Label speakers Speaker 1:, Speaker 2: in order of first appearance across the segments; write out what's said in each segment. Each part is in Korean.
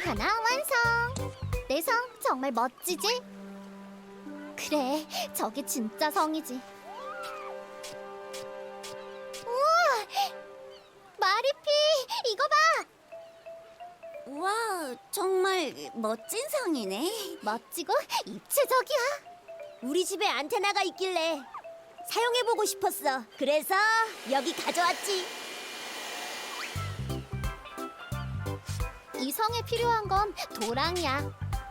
Speaker 1: 하나 완성! 내 성 정말 멋지지? 그래, 저게 진짜 성이지. 우와! 마리피, 이거 봐!
Speaker 2: 와, 정말 멋진 성이네.
Speaker 1: 멋지고 입체적이야.
Speaker 2: 우리 집에 안테나가 있길래 사용해보고 싶었어. 그래서 여기 가져왔지.
Speaker 1: 이 성에 필요한 건 도랑이야.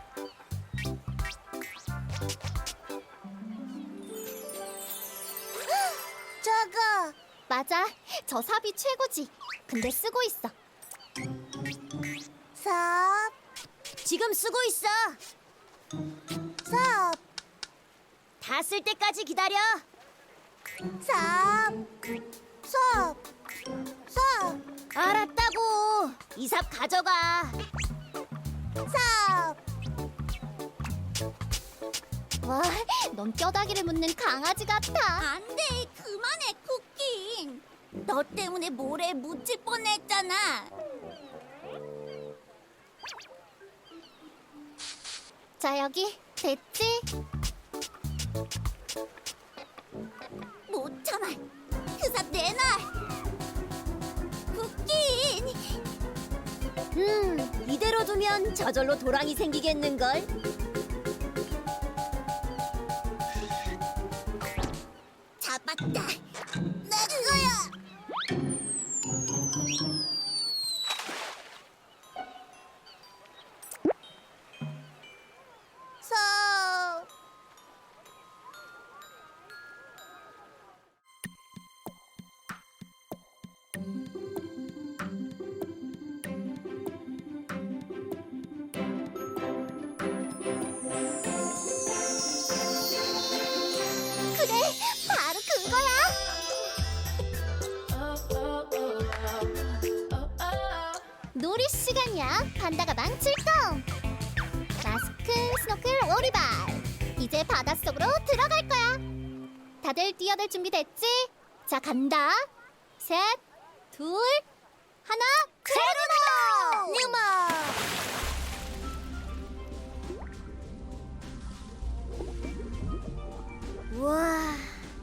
Speaker 2: 저거.
Speaker 1: 맞아, 저 삽이 최고지. 근데 쓰고 있어.
Speaker 2: 삽. 지금 쓰고 있어. 삽. 다 쓸 때까지 기다려. 삽. 삽. 삽. 알았다고. 이 삽 가져가. 삽.
Speaker 1: 와, 넌 뼈다귀를 묻는 강아지 같아.
Speaker 2: 안 돼. 그만해, 쿠키. 너 때문에 모래에 묻힐 뻔했잖아.
Speaker 1: 자, 여기 됐지?
Speaker 2: 못 참아. 그 삽 내놔. 쿠키. 이대로 두면 저절로 도랑이 생기겠는걸? 잡았다. 내 거야. 서.
Speaker 1: 그래, 바로 그거야. 놀이 시간이야. 판다 가방 출동. 마스크, 스노클, 오리발. 이제 바닷속으로 들어갈 거야. 다들 뛰어들 준비 됐지? 자, 간다. 셋, 둘, 하나, 제로모!
Speaker 2: 뉴마.
Speaker 1: 우와.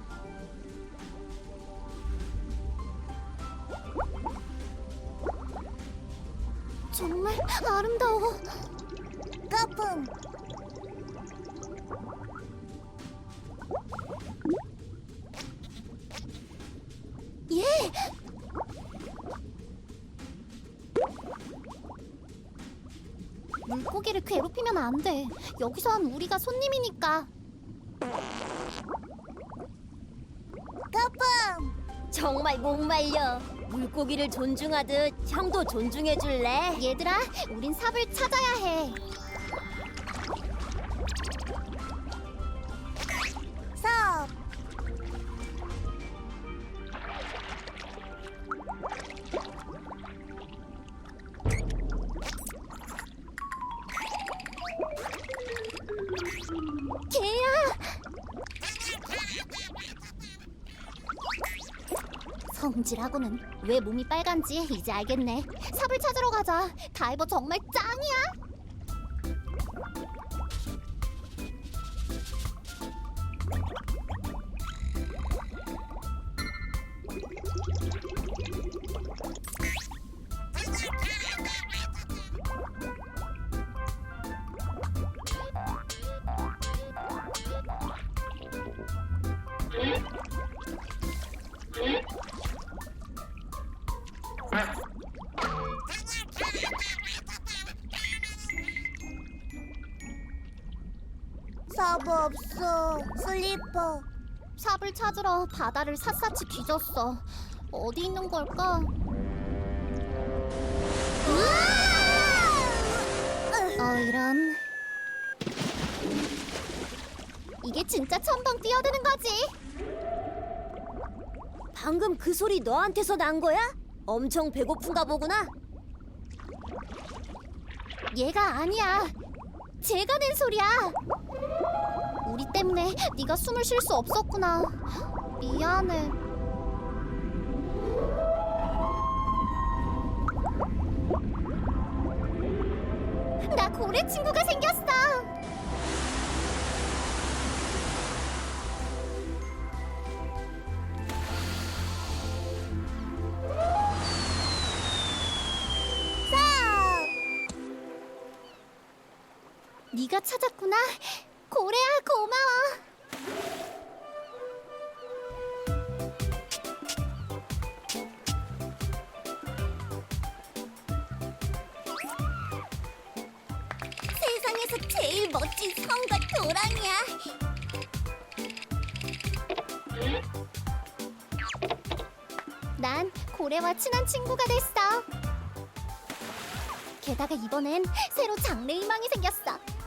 Speaker 1: 정말 아름다워.
Speaker 2: 거품.
Speaker 1: 예. 물고기를 괴롭히면 안 돼. 여기선 우리가 손님이니까.
Speaker 2: 거품. 정말 목말려. 물고기를 존중하듯 형도 존중해줄래?
Speaker 1: 얘들아, 우린 삽을 찾아야 해.
Speaker 2: 삽.
Speaker 1: 개야! 성질하고는. 왜 몸이 빨간지 이제 알겠네. 삽을 찾으러 가자. 다이버 정말 짱이야.
Speaker 2: 삽 없어. 슬리퍼.
Speaker 1: 삽을 찾으러 바다를 샅샅이 뒤졌어. 어디 있는 걸까? 이런. 이게 진짜 첨벙 뛰어드는 거지.
Speaker 2: 방금 그 소리 너한테서 난 거야? 엄청 배고픈가 보구나.
Speaker 1: 얘가 아니야. 제가 낸 소리야. 우리 때문에 네가 숨을 쉴 수 없었구나. 미안해. 고래 친구가 생겼어. 네가 찾았구나. 고래야, 고마워.
Speaker 2: 세상에서 제일 멋진 성과 도랑이야.
Speaker 1: 난 고래와 친한 친구가 됐어. 게다가 이번엔 새로 장래희망이 생겼어.